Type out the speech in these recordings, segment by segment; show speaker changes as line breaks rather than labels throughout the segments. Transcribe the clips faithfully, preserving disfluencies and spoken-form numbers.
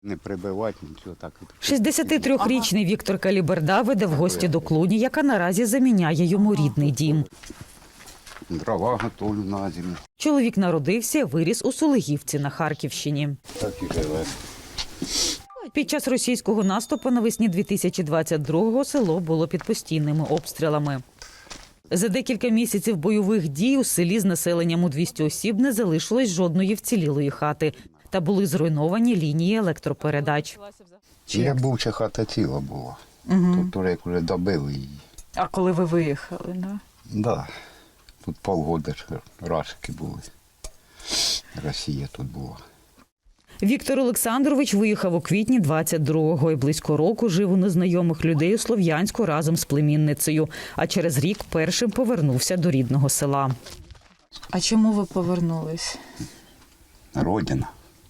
Не прибивати, нічого так.
шістдесятитрирічний Віктор Каліберда веде в гості до клуні, яка наразі заміняє йому рідний дім.
Дрова готовлю на зиму.
Чоловік народився, виріс у Сулигівці на Харківщині.
Так і живе.
Під час російського наступу навесні дві тисячі двадцять другого село було під постійними обстрілами. За декілька місяців бойових дій у селі з населенням у двісті осіб не залишилось жодної вцілілої хати. Та були зруйновані лінії електропередач.
Я був, чи хата ціла була. Угу. Тут уже, як вже добили її.
А коли ви виїхали, да?
Да. Тут полгода ж рашки були. Росія тут була.
Віктор Олександрович виїхав у квітні двадцять другого і близько року жив у незнайомих людей у Слов'янську разом з племінницею. А через рік першим повернувся до рідного села.
А чому ви повернулись?
Родина.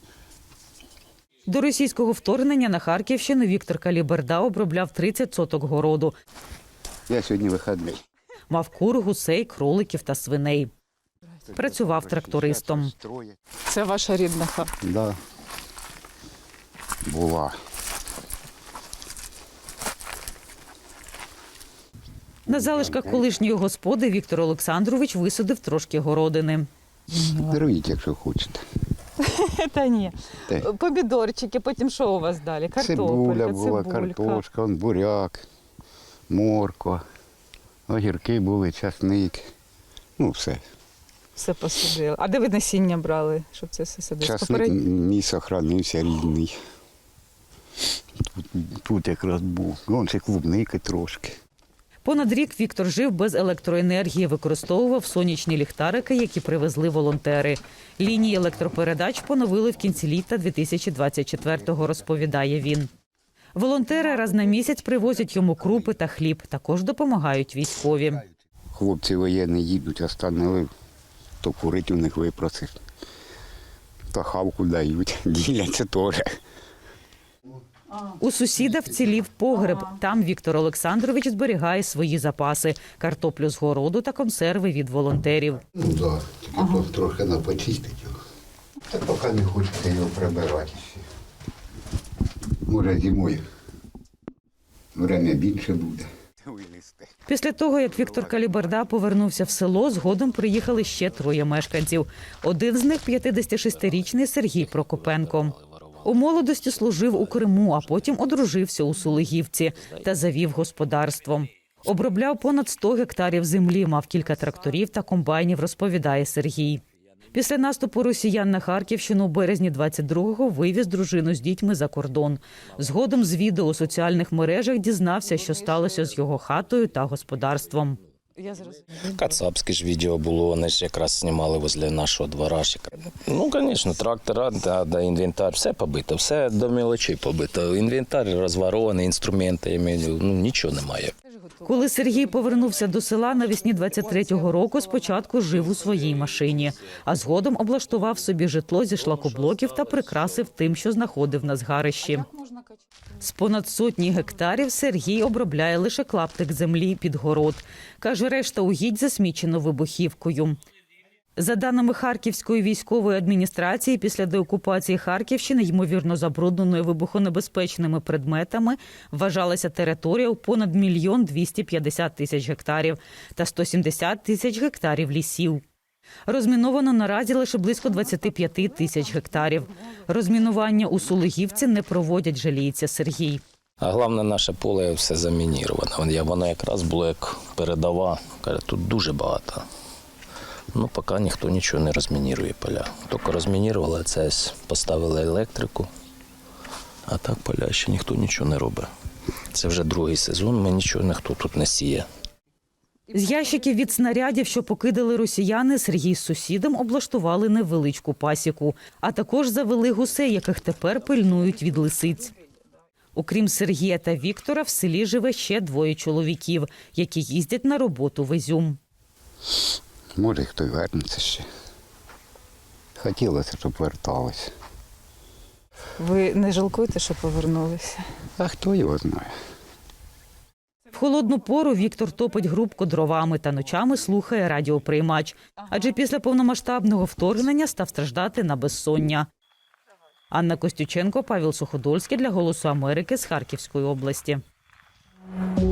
До російського вторгнення на Харківщину Віктор Каліберда обробляв тридцять соток городу.
Я сьогодні вихідний.
Мав кур, гусей, кроликів та свиней. Працював трактористом.
Це ваша рідна хата?
Да. Була.
На залишках колишньої господи Віктор Олександрович висадив трошки городини.
Даруйте, якщо хочете.
Та ні.
Те.
Помідорчики, потім що у вас далі?
Цибуля
Картопелька,
була,
цибулька.
картошка, он буряк, морква, огірки були, часник. Ну, все.
Все посадили. А де ви насіння брали, щоб це все садити?
Часник мій сохранився рідний. Тут, тут якраз був. Вон ще клубники трошки.
Понад рік Віктор жив без електроенергії, використовував сонячні ліхтарики, які привезли волонтери. Лінії електропередач поновили в кінці літа дві тисячі двадцять четвертого, розповідає він. Волонтери раз на місяць привозять йому крупи та хліб, також допомагають військові.
Хлопці воєнні їдуть, останили, то курить у них випросив. То хавку дають, діляться теж.
У сусіда вцілів погреб. Там Віктор Олександрович зберігає свої запаси – картоплю з городу та консерви від волонтерів.
Ну так, да, тільки ага. трохи на почистити його. Та поки не хочете його прибирати ще. Може зимою время більше буде.
Після того, як Віктор Каліберда повернувся в село, згодом приїхали ще троє мешканців. Один з них – п'ятдесятишестирічний Сергій Прокопенко. У молодості служив у Криму, а потім одружився у Сулигівці та завів господарство. Обробляв понад сто гектарів землі, мав кілька тракторів та комбайнів, розповідає Сергій. Після наступу росіян на Харківщину у березні двадцять другого вивіз дружину з дітьми за кордон. Згодом з відео у соціальних мережах дізнався, що сталося з його хатою та господарством.
Кацапське ж відео було, вони ж якраз знімали возле нашого двора. Ну, звісно, трактора, да, да, інвентар, все побито, все до мелочей побито. Інвентар розворований, інструменти, ну, нічого немає.
Коли Сергій повернувся до села навесні двадцять третього року, спочатку жив у своїй машині, а згодом облаштував собі житло зі шлакоблоків та прикрасив тим, що знаходив на згарищі. З понад сотні гектарів Сергій обробляє лише клаптик землі під город. Каже, решта угідь засмічено вибухівкою. За даними Харківської військової адміністрації, після деокупації Харківщини, ймовірно забрудненою вибухонебезпечними предметами, вважалася територія у понад мільйон двісті п'ятдесят тисяч гектарів та сто сімдесят тисяч гектарів лісів. Розміновано наразі лише близько двадцять п'ять тисяч гектарів. Розмінування у Сулигівці не проводять, жаліється Сергій.
А головне, наше поле все замініроване. Воно якраз було як передова. Каже, тут дуже багато. Ну, поки ніхто нічого не розмінірує поля. Тільки розмінірували, це поставили електрику, а так поля ще ніхто нічого не робить. Це вже другий сезон, ми нічого ніхто тут не сіє.
З ящиків від снарядів, що покидали росіяни, Сергій з сусідом облаштували невеличку пасіку, а також завели гусей, яких тепер пильнують від лисиць. Окрім Сергія та Віктора, в селі живе ще двоє чоловіків, які їздять на роботу в Ізюм.
Може, хто й вернеться ще. Хотілося, щоб верталися.
Ви не жалкуєте, що повернулися?
А хто його знає?
В холодну пору Віктор топить грубку дровами та ночами слухає радіоприймач. Адже після повномасштабного вторгнення став страждати на безсоння. Анна Костюченко, Павел Суходольський для «Голосу Америки» з Харківської області.